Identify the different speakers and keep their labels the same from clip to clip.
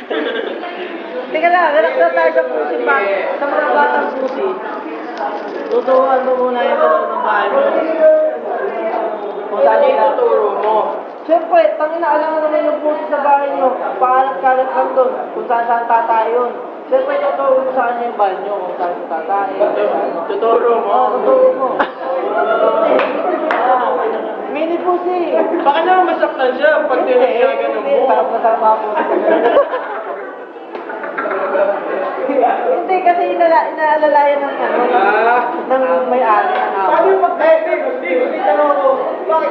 Speaker 1: Teka lang, relax na tayo sa pusi pa. Sa mga batang pusi. Tuturuan mo muna yung loob ng bahay mo. Kung saan yung tuturo mo. Siyempre, tangina, alam mo naman yung pusi sa bahay nyo. Paalat-kalat lang doon. Kung saan tatay yun. Siyempre, tuturo mo sa kanya yung banyo. Kung saan tatay. Tuturo mo? Oo, tuturo mo. Mini pusi.
Speaker 2: Baka naman masaktan siya pag tinagyagan mo.
Speaker 1: Sarap-sarap po. Hindi, kasi inaalalayan ng ano, ng may-ari ng ako.
Speaker 2: Paano yung tanong ko, bakit?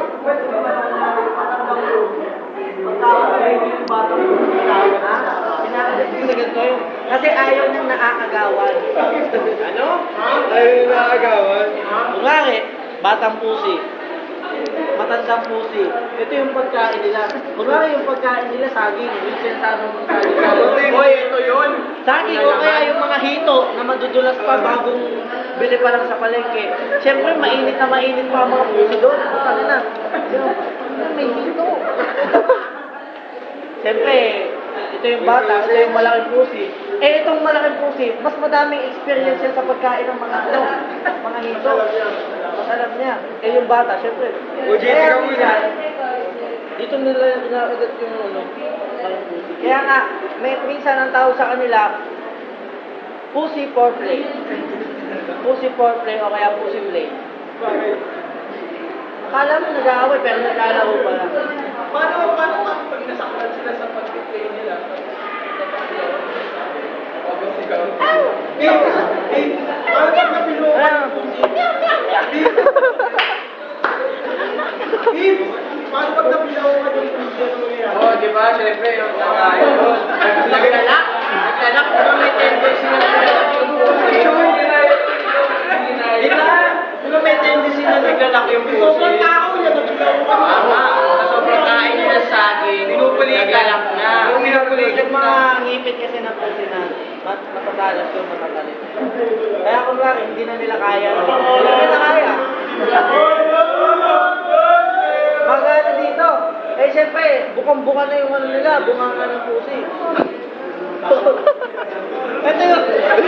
Speaker 1: Kasi ayaw nang naakagawan.
Speaker 2: Ano? Ayaw yung nakagawan?
Speaker 1: Kunwari, batang pusi. Matandang pusi. Ito yung pagkain nila. Kunwari yung pagkain nila, saging. Yung sentado ng saging.
Speaker 2: Hoy, ito yun.
Speaker 1: Saging o kaya yung mga hito na madudulas pa bagong bili pa lang sa palengke. Siyempre, mainit pa ang mga pusi doon. Ano na? May hito. Siyempre, ito yung bata, ito yung malaking pusi. Eh, itong malaking pusi, mas madaming experience yan sa pagkain ng mga mga hito. Mas alam niya. Eh, yung bata, siyempre. Kaya minsan, dito nila inaagat yung malaking pusi. Kaya nga, minsan ang tawag sa kanila, pussy foreplay. Pussy foreplay o kaya pussy play. Akala mo nag-aaway pero naglalaro pala.
Speaker 2: Paano pag nasaktan sila sa pag-play nila? Paano pag napilo ka ng pusi? Paano pag napilo ka ng pusi? Oo, di ba? Siyempre, yung nakain doon. Naglalak, pero may tendency na naglalak yung pusi. Di ba? Pero may tendency na naglalak yung pusi. Sobrang tao yan, naglalak ka. Tama. Sobrang kain nila sa saging, naglalak na.
Speaker 1: Yung mga ngipit kasi ng pusi na matatalas yung matatalit. Kaya kung bakit hindi na nila kaya. Hindi nila kaya. Magana dito. Eh siyempre, bukang-buka na yung ano nila, bunganga ng pusi. Ito yung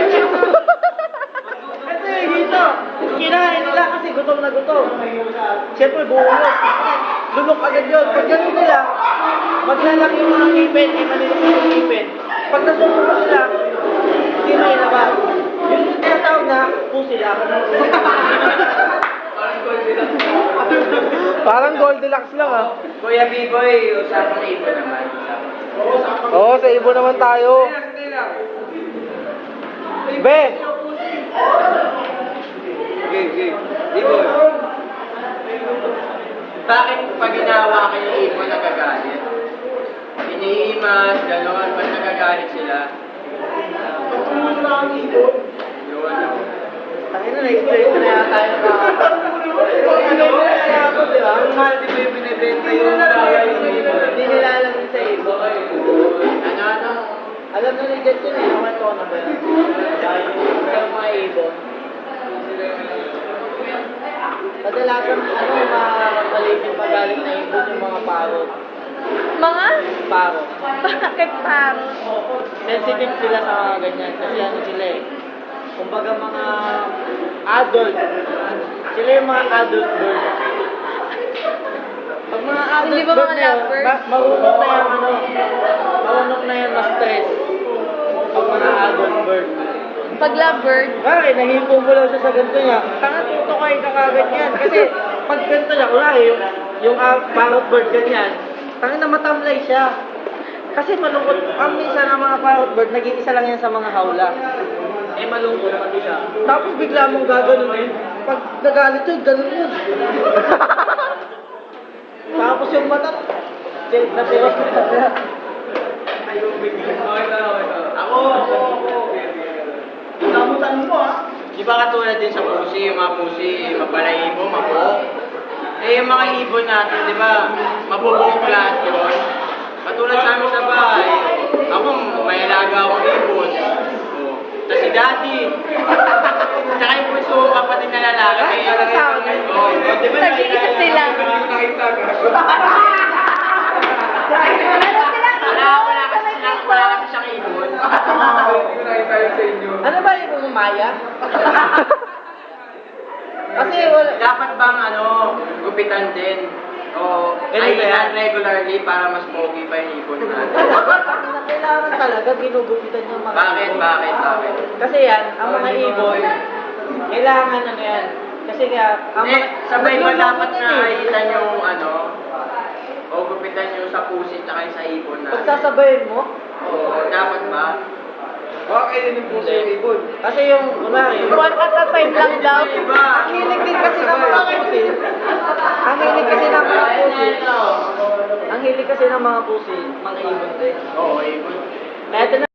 Speaker 1: hito. Kinain nila kasi gutom na gutom. Siyempre, buhulog. Lunok agad yun. Pag ganun nila, maglalaki yung mga ngipin, ay manilok yung ngipin. Pag nasunod mo sila, hindi na ilabas. Yung tinatawag na, pusi lang. Parang Goldilocks lang ah.
Speaker 2: Kuya B-Boy, usapang ibo naman.
Speaker 1: Oo, sa ibo naman tayo. Be!
Speaker 2: Okay. B-Boy. Bakit pag ginawa kayo yung ibon nagagalit? Iniimas, gano'n, ba't nagagalit sila? Pagtumulong na ang ibon. Yun.
Speaker 1: Tangin na, na-explain ko na yata tayo na.
Speaker 2: Ang mahal di ba yung binibenta yung bawal yung ibon?
Speaker 1: Hindi nila alam yun sa ibo.
Speaker 2: Ano?
Speaker 1: Alam na ni Jet yun eh, naman ko na ba yun? Dahil yung mga ibon. Kadalasan, maliit yung pagalit na ibon yung mga parot.
Speaker 3: Mga?
Speaker 1: Parot.
Speaker 3: Bakit parang?
Speaker 1: Sensitive sila sa mga ganyan kasi ano sila eh. Kumbaga mga adult. Sila yung mga adult bird. Pag mga adult
Speaker 3: Hindi ba
Speaker 1: bird
Speaker 3: mga
Speaker 1: na yun,
Speaker 3: lovebird?
Speaker 1: marunong na yan marunong na yan ma-stress. Pag mga adult bird.
Speaker 3: Pag lovebird?
Speaker 1: Bakit? Nahipo mo lang siya sa ganito niya. Tanga tutukay ka kagad yan. Kasi pag ganito niya, kunwari yung parrot bird ganyan, tanga na matamlay siya. Kasi malungkot. Ang minsan ng mga parrot bird, nag-iisa lang yan sa mga hawla. Eh malungkot pati siya. Tapos bigla mong gaganunin. Pag nagalit yun, ganun yun. Tapos yung mata, natiwas ko na.
Speaker 2: Ako. Namutan mo ah. Di ba katulad din sa pusi, yung mga pusi, mapalaibo, mabok. Eh yung mga ibon natin, di ba, mabubok lahat yun. Katulad sa amin sa bahay, ako may alaga akong ibon. Oh. Tapos si daddy. Tsaka yung puso, kapatid na lalaki. Di ba
Speaker 3: Nag-iisa sila.
Speaker 2: Wala kasi siyang
Speaker 1: kaya. Kasi wala,
Speaker 2: Dapat bang gupitan din? O
Speaker 1: Ganito yan.
Speaker 2: kailan regularly para mas pogi pa yung ibon natin?
Speaker 1: kailangan talaga ginugupitan yung mga
Speaker 2: Bakit?
Speaker 1: ibon.
Speaker 2: Bakit? Bakit?
Speaker 1: Kasi yan, ang mga ibon, kailangan yan. Kasi nga, ang
Speaker 2: Hindi, sabay ba
Speaker 1: naglulungkot
Speaker 2: dapat
Speaker 1: yan
Speaker 2: na
Speaker 1: eh.
Speaker 2: kahitan yung o gupitan yung sa pusit tsaka yung sa ibon natin?
Speaker 1: Pagsasabayin mo,
Speaker 2: Oo, dapat ba?
Speaker 4: Bakit yun yung puso yung ibon?
Speaker 1: kasi yung, kunwari,
Speaker 3: One at a time lang daw.
Speaker 2: Iba.
Speaker 1: ang hilig din kasi ng mga pusi, ang hilig kasi ng mga pusi, ang hilig kasi ng mga pusi, mga ibon din.
Speaker 2: Oo, ibon.
Speaker 1: Kaya